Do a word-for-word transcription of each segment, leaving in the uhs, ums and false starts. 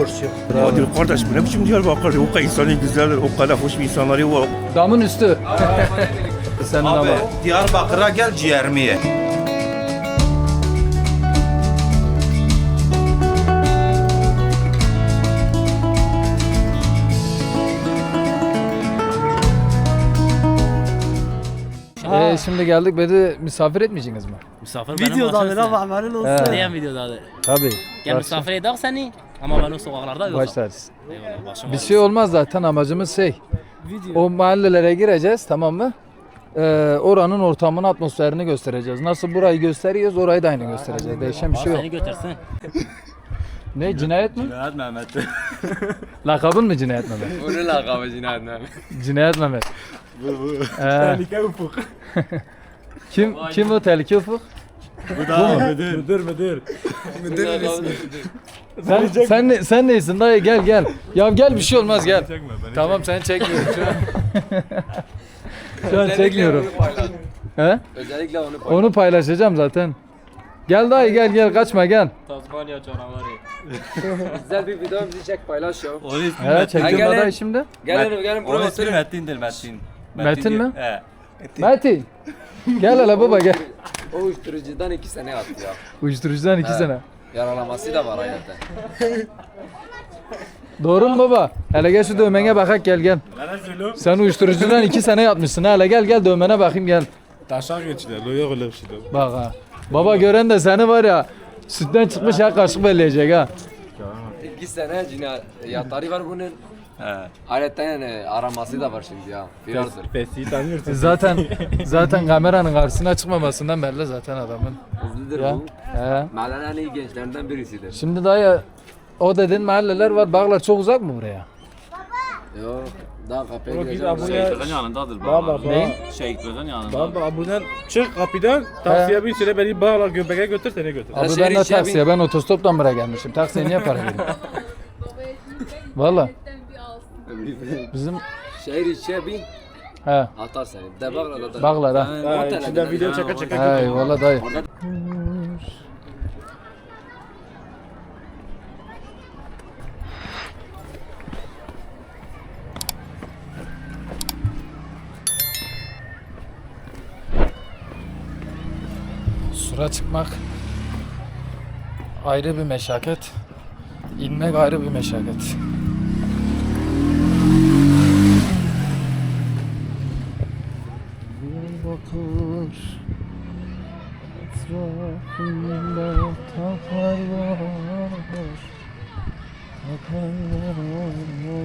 borç yok. Adil kardeş bu ne biçim Diyarbakır? O kadar insanı güzeldir, o kadar hoş bir insanları var. Damın üstü. Senin Abi ama. Diyarbakır'a gel ciğerimi ye. Ee, şimdi geldik beni misafir etmeyeceksiniz mi? Misafir benim Videoda başımsın. da haberin olsun. He. Neyen videoda da? Tabii. Gel misafir edelim seni. Ama ben o sokaklarda yok. Başlarız. Eyvallah başım Bir şey olmaz zaten, amacımız şey. Video. O mahallelere gireceğiz, tamam mı? Ee, oranın ortamını, atmosferini göstereceğiz. Nasıl burayı gösteriyoruz, orayı da aynı göstereceğiz. Değişen bir şey yok. Seni götürsün. Ne, cinayet mi? Cinayet Mehmet. Lakabın mı Cinayet Mehmet? Bunun lakabı Cinayet Mehmet. Cinayet Mehmet. Bu bu. Tehlike Ufuk. kim kim o tehlike Ufuk? Bu da müdür. Müdür müdür. Müdürün ismi. Sen sen ne, sen neysin dayı, gel gel. Ya gel, bir şey olmaz, gel. Tamam, seni çekmiyorum şu an. Şu an çekmiyorum. He? Özellikle onu paylaş. Onu paylaşacağım zaten. Gel dayı, gel gel, kaçma gel. Tasmanya canavarı. Güzel bir video bizi çek paylaş ya. Onun ismi He, Metin. çektim gel, dayı gel. şimdi. Gelin gelin buraya Onun ismi oturun. Metin'dir Metin. Metin diye- mi? He. Metin. Gel hele baba, gel. O uyuşturucudan iki sene yattı ya. Uyuşturucudan iki He. sene. Yaralaması da var hayatta. Doğru mu baba? Hele gel şu dövmene bakak, gel gel. Sen uyuşturucudan iki sene yatmışsın. Hele gel gel dövmene bakayım, gel. Taşak geçtiler, loya öyle bir şey. Bak ha. Baba gören de seni var ya, sütten çıkmış ya kaşık belleyecek ha. İki sene cinayet yatarı var bunun. He. Hayretten yani araması da var şimdi ya. Birazdır. Fesi'yi tanıyorsun. Zaten zaten kameranın karşısına çıkmamasından belli zaten adamın. Hızlıdır Ya. bu. He. Mahallenin en iyi gençlerinden birisidir. Şimdi dayı, o dediğin mahalleler var. Bağlar çok uzak mı buraya? Yok. Daha kapıya Biz gireceğim. abone- Şehit Göz'ün yanındadır Baba bağlar. baba. Neyin? Şehit Göz'ün yanında. Baba abuden çık kapıdan taksiye bin süre beni bağla göbeğe götür seni götür. Abi şehir ben de içine bin. taksiye, ben otostoptan buraya gelmişim. Taksiye niye para vereyim? Valla bizim Şehir içine bin. he Atar seni. De Bağlar'da da. Bağlar ha. Ha, içinden video çeke çeke He götür. valla dayı. Orada Sura çıkmak ayrı bir meşakkat. İnmek ayrı bir meşakkat. Diyarbakır etrafında taklar var, taklar var.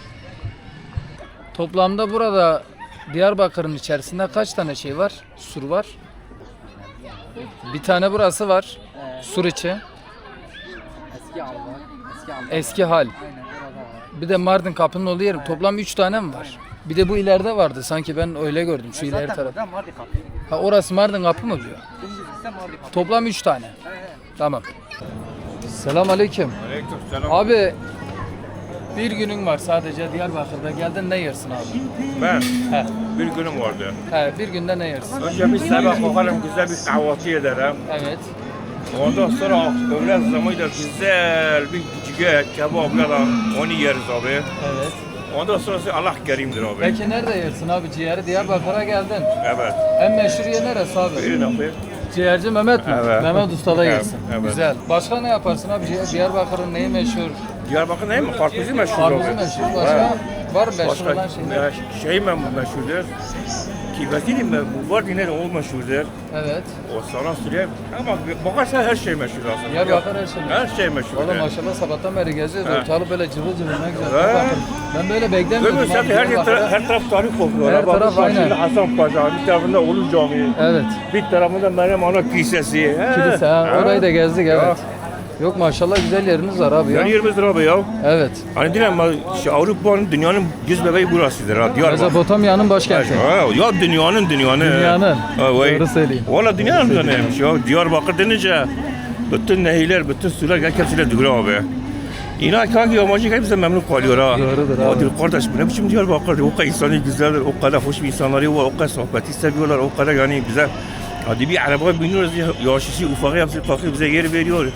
Toplamda burada Diyarbakır'ın içerisinde kaç tane şey var? Sur var. Bir tane burası var. Sur içi. Eski al var. Eski al. Eski hal. Bir de Mardin kapının olduğu yer. Toplam üç tane mi var? Bir de bu ileride vardı. Sanki ben öyle gördüm. Şu ileri taraf. Zaten vardı kapıyı. Ha, orası Mardin kapı mı diyor? Dümdüz ise vardı kapıyı. Toplam üç tane. Tamam. Selam aleyküm. Aleykümselam. Abi bir günün var sadece Diyarbakır'da. Geldin, ne yersin abi? Ben He. bir günüm vardı. He, bir günde ne yersin? Önce bir sabah bakarım, güzel bir kahvaltı ederim. Evet. Ondan sonra öğlen zamanıyla güzel bir ciğer, kebapla da onu yeriz abi. Evet. Ondan sonrası Allah kerimdir abi. Peki nerede yersin abi ciğeri? Diyarbakır'a geldin. Evet. En meşhur yer neresi abi? Buyurun abi. Ciğerci Mehmet mi? Evet. Mehmet Usta'da Evet, yersin. evet. Güzel. Başka ne yaparsın abi? Ciğer- Diyarbakır'ın neyi meşhur? Diyarbakır ne mi? Karpuzu meşhur abi. Karpuzu meşhur. Başka var mı meşhur Başka olan şeyler? ya, şey mi meşhurdur? Kibetini mi? Bu var yine de o meşhurdur. Evet. O sana söyleyeyim. Ama bakarsan her şey meşhur aslında. Diyarbakır her şey meşhur. Her şey meşhur. Valla maşallah sabahtan beri geziyoruz. He. Ortalık böyle cıvıl cıvıl, ne güzel. He. Bakın, ben böyle beklemiyordum. Görmüyorsun abi, zaten her, Diyarbakır'da. yer, her taraf tarih kokuyor. Her Bak, taraf karşında aynen. Hasan Paşa, bir tarafında Ulu Camii, Evet. bir tarafında Meryem Ana Kilisesi. He. Kilise ha. He. Orayı da gezdik, Ya. evet. Yok maşallah güzel yeriniz var abi ya. Yani yerimiz abi ya. Evet. Hani diyorum şu Avrupa'nın, dünyanın göz bebeği burasıdır ha. Diyarbakır. Mezopotamya'nın başkenti. Ha, ya dünyanın dünyanın. Dünyanın. Ha, vay. Doğru söyleyeyim. Valla dünyanın da neymiş ya. Diyarbakır denince bütün nehirler, bütün sular gel hepsiyle duyuyor abi. İnan kanki yabancı hepsi memnun kalıyor ha. Doğrudur abi. Adil kardeş bu ne biçim Diyarbakır? O kadar insanı güzeldir, o kadar hoş bir insanları var, o kadar sohbeti seviyorlar, o kadar yani güzel. Hadi bir arabaya biniyoruz, yaşlısı ufağı yapsın, kalkıyor bize yer veriyor.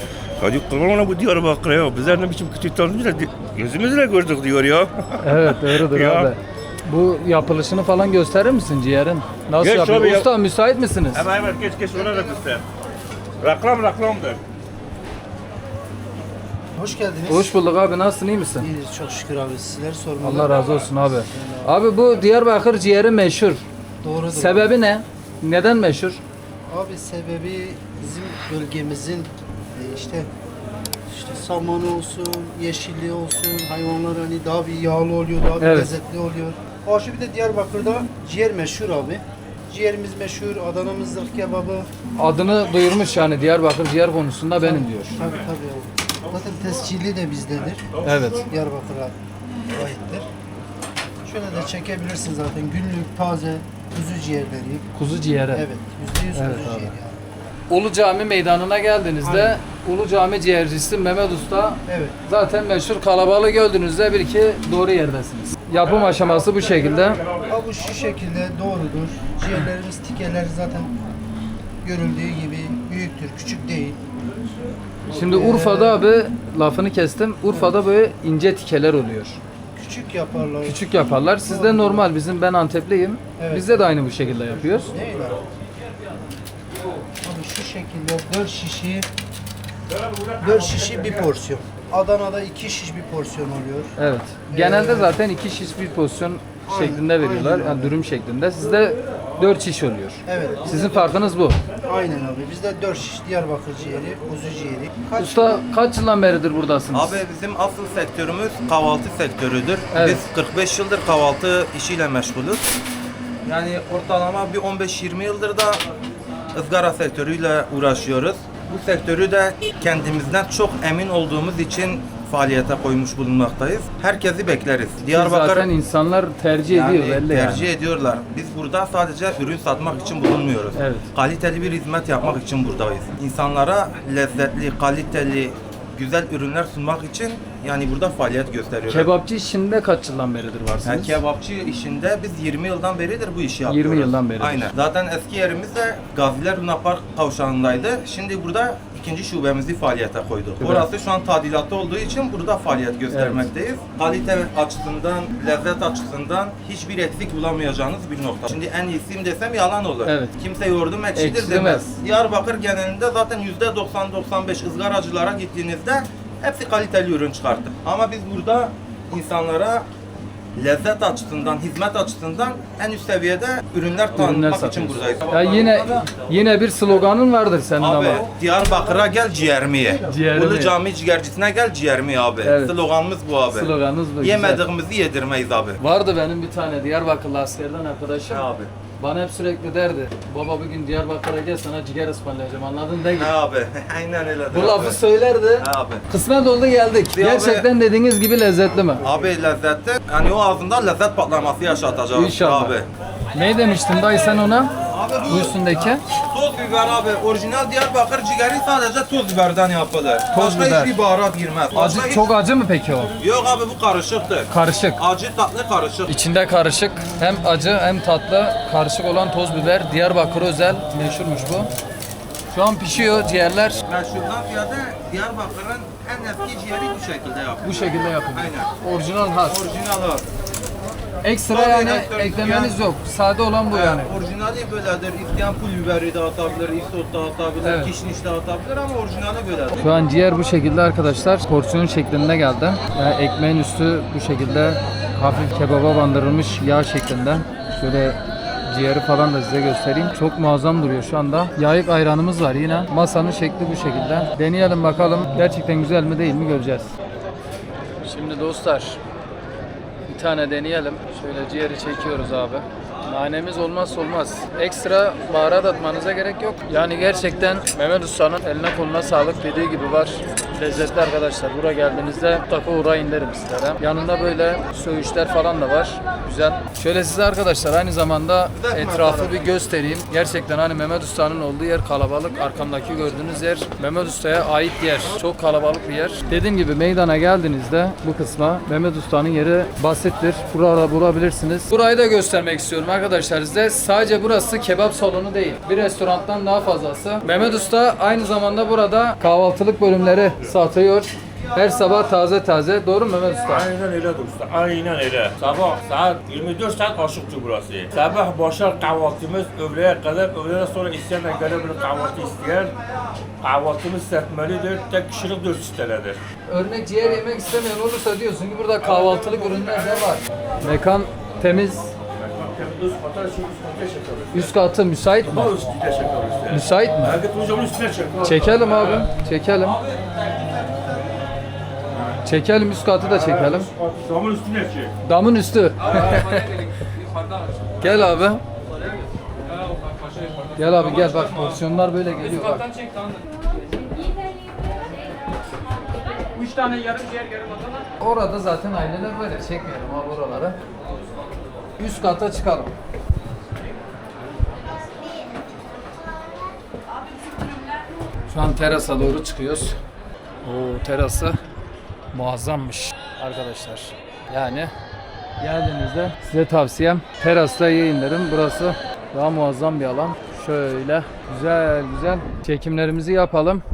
Hadi kurban ona bu Diyarbakır'a ya. Bizler ne biçim kötü tanrımızla gözümüzle gördük diyor ya. Evet doğrudur Ya. abi. Bu yapılışını falan gösterir misin ciğerin? Nasıl Geç yapıyor? abi ya. Usta müsait misiniz? Hemen hemen geç geç ona da göster. Reklam reklamdır. Hoş geldiniz. Hoş bulduk abi, nasılsın, iyi misin? İyiyiz çok şükür abi. Sizleri sormalı. Allah razı olsun abi. Abi bu Diyarbakır ciğeri meşhur. Doğrudur. Sebebi ne? Neden meşhur? Abi sebebi bizim bölgemizin e, işte işte samanı olsun, yeşilliği olsun, hayvanlar hani daha bir yağlı oluyor, daha bir Evet. lezzetli oluyor. Aşı bir de Diyarbakır'da ciğer meşhur abi. Ciğerimiz meşhur, Adana'mız zırh kebabı. Adını duyurmuş yani Diyarbakır ciğer konusunda benim diyor. Tabii tabii abi. Zaten tescilli de bizdedir. Evet. Diyarbakır'a aittir. Şöyle de çekebilirsin zaten günlük taze kuzu ciğerleri. Kuzu ciğeri. Evet, yüzde yüz Evet kuzu abi. ciğeri yani. Ulu Cami meydanına geldiğinizde Ulu Cami ciğercisi Mehmet Usta Evet. zaten meşhur, kalabalığı gördüğünüzde bil ki doğru yerdesiniz. Yapım aşaması bu şekilde. Ha bu şu şekilde doğrudur. Ciğerlerimiz, tikeleri zaten görüldüğü gibi büyüktür, küçük değil. Şimdi Urfa'da abi, lafını kestim, Urfa'da böyle ince tikeler oluyor. Küçük yaparlar. Küçük yaparlar. Sizde normal, bizim, ben Antepliyim. Evet. Bizde de aynı bu şekilde yapıyoruz. Değil mi? Abi şu şekilde dört şişi dört şişi bir porsiyon. Adana'da iki şiş bir porsiyon oluyor. Evet. Genelde zaten iki şiş bir porsiyon şeklinde veriyorlar. aynen Yani öyle. dürüm şeklinde. Sizde dört şiş oluyor. Evet. Sizin farkınız bu. Aynen abi. Bizde dört şiş Diyarbakır ciğeri, kuzu ciğeri. Kaç Usta kaç yıldan beridir buradasınız? Abi bizim asıl sektörümüz kahvaltı sektörüdür. Evet. Biz kırk beş yıldır kahvaltı işiyle meşgulüz. Yani ortalama bir on beş yirmi yıldır da ızgara sektörüyle uğraşıyoruz. Bu sektörü de kendimizden çok emin olduğumuz için faaliyete koymuş bulunmaktayız. Herkesi bekleriz. Siz Diyarbakır zaten insanlar tercih yani ediyor belli tercih yani. ediyorlar. Biz burada sadece ürün satmak için bulunmuyoruz. Evet. Kaliteli bir hizmet yapmak için buradayız. İnsanlara lezzetli, kaliteli, güzel ürünler sunmak için yani burada faaliyet gösteriyoruz. Kebapçı işinde kaç yıldan beridir Yani varsınız? kebapçı işinde biz yirmi yıldan beridir bu işi yapıyoruz. yirmi yıldan beridir. Aynen. Zaten eski yerimiz de Gaziler Luna Park kavşağındaydı. Şimdi burada ikinci şubemizi faaliyete koyduk. Güzel. Orası şu an tadilatta olduğu için burada faaliyet göstermekteyiz. Kalite açısından, lezzet açısından hiçbir eksik bulamayacağınız bir nokta. Şimdi en iyisiyim desem yalan olur. Evet. Kimse yoğurdum ekşidir Ekşi demez. demez. Diyarbakır genelinde zaten yüzde doksan doksan beş ızgaracılara gittiğinizde hepsi kaliteli ürün çıkarttı. Ama biz burada insanlara lezzet açısından, hizmet açısından en üst seviyede ürünler Ürünler tanıtmak için satıyorsun. buradayız. Ya yine yine bir sloganın vardır senin Abi ama. Diyarbakır'a gel ciğerimi ye. Ciğerimi Ulu ye. Cami ciğercisine gel ciğerimi ye abi. Evet. Sloganımız bu abi. Sloganınız bu. güzel. Yemediğimizi yedirmeyiz abi. Vardı benim bir tane Diyarbakırlı askerden arkadaşım. He abi. Bana hep sürekli derdi. Baba bugün Diyarbakır'a gel, sana ciğer ısmarlayacağım, anladın değil mi? He abi. Aynen öyle. Bu lafı söylerdi. He abi. Kısmet oldu geldik. Ya Gerçekten dediğiniz gibi lezzetli mi? Abi lezzetli. Yani o ağzında lezzet patlaması yaşatacak. İnşallah. Abi. Ne demiştin dayı sen ona? Abi Bu üstündeki? Toz biber abi. Orijinal Diyarbakır ciğeri sadece toz biberden yapılır. Toz Başka biber. hiçbir baharat girmez. Başka Acı, hiç- çok acı mı peki o? Yok abi bu karışıktır. Karışık. Acı tatlı karışık. İçinde karışık, hem acı hem tatlı karışık olan toz biber, Diyarbakır özel, meşhurmuş bu. Şu an pişiyor ciğerler. Meşhurdan ziyade Diyarbakır'ın en eski ciğeri bu şekilde yapılır. Bu şekilde yapılıyor. Aynen. Orijinal has. Orijinal abi. Ekstra Tabii, yani ekstra- eklemeniz yani- yok. Sade olan bu yani. Orijinali böyledir. İsteyen pul biberi de atabilir, isot da atabilir, Evet. kişniş de atabilir ama orijinali böyledir. Şu an ciğer bu şekilde arkadaşlar. Porsiyon şeklinde geldi. Yani ekmeğin üstü bu şekilde hafif kebaba bandırılmış yağ şeklinde. Şöyle ciğeri falan da size göstereyim. Çok muazzam duruyor şu anda. Yayık ayranımız var yine. Masanın şekli bu şekilde. Deneyelim bakalım. Gerçekten güzel mi değil mi göreceğiz. Şimdi dostlar bir tane deneyelim. Şöyle ciğeri çekiyoruz abi. Nanemiz olmazsa olmaz. Ekstra baharat atmanıza gerek yok. Yani gerçekten Mehmet Usta'nın eline koluna sağlık, dediği gibi var. Lezzetli arkadaşlar. Buraya geldiğinizde mutlaka uğrayın derim sizlere. Yanında böyle söğüşler falan da var. Güzel. Şöyle size arkadaşlar aynı zamanda etrafı bir göstereyim. Gerçekten hani Mehmet Usta'nın olduğu yer kalabalık. Arkamdaki gördüğünüz yer Mehmet Usta'ya ait yer. Çok kalabalık bir yer. Dediğim gibi meydana geldiğinizde bu kısma Mehmet Usta'nın yeri basittir. Burada bulabilirsiniz. Burayı da göstermek istiyorum arkadaşlar. arkadaşlar size. Sadece burası kebap salonu değil. Bir restorandan daha fazlası. Mehmet Usta aynı zamanda burada kahvaltılık bölümleri satıyor. Her sabah taze taze. Doğru mu Mehmet Usta? Aynen öyle usta. Aynen öyle. Sabah saat yirmi dört saat açıktır burası. Sabah başlar kahvaltımız öğleye kadar. Öğleden sonra isteyenler gelebilir kahvaltı isteyen. Kahvaltımız serpmelidir. Tek kişilik dört sitelerdir. Örnek ciğer yemek istemeyen olursa diyorsun ki burada kahvaltılık ürünler de var. Mekan temiz. Üst kata şu üst kata çekiyoruz. Üst katı müsait mi? Bu üstüne çekiyoruz. Müsait mi? Herkes hocamın üstüne çekiyor. Çekelim abi. Çekelim. Çekelim üst katı da çekelim. Hocamın üstüne çek. Damın üstü. Gel abi. Gel abi gel bak porsiyonlar böyle geliyor bak. Üç tane yarım ciğer yarım Adana. Orada zaten aileler böyle çekmeyelim abi oraları. Üst kata çıkalım. Şu an terasa doğru çıkıyoruz. Oo terası muazzammış arkadaşlar. Yani geldiğinizde size tavsiyem terasta yayınlarım. Burası daha muazzam bir alan. Şöyle güzel güzel çekimlerimizi yapalım.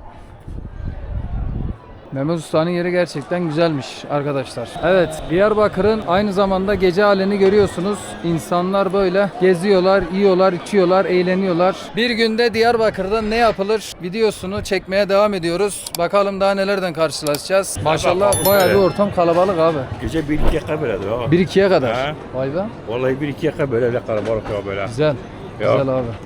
Mehmet Usta'nın yeri gerçekten güzelmiş arkadaşlar. Evet, Diyarbakır'ın aynı zamanda gece halini görüyorsunuz. İnsanlar böyle geziyorlar, yiyorlar, içiyorlar, eğleniyorlar. Bir günde Diyarbakır'da ne yapılır videosunu çekmeye devam ediyoruz. Bakalım daha nelerden karşılaşacağız. Maşallah bayağı bir ortam kalabalık abi. Gece bir ikiye kadar böyledir ha. bir ikiye kadar. Ha. Vay be. Vallahi bir ikiye kadar böyle öyle kalabalık ya böyle. Güzel. Ya. Güzel abi.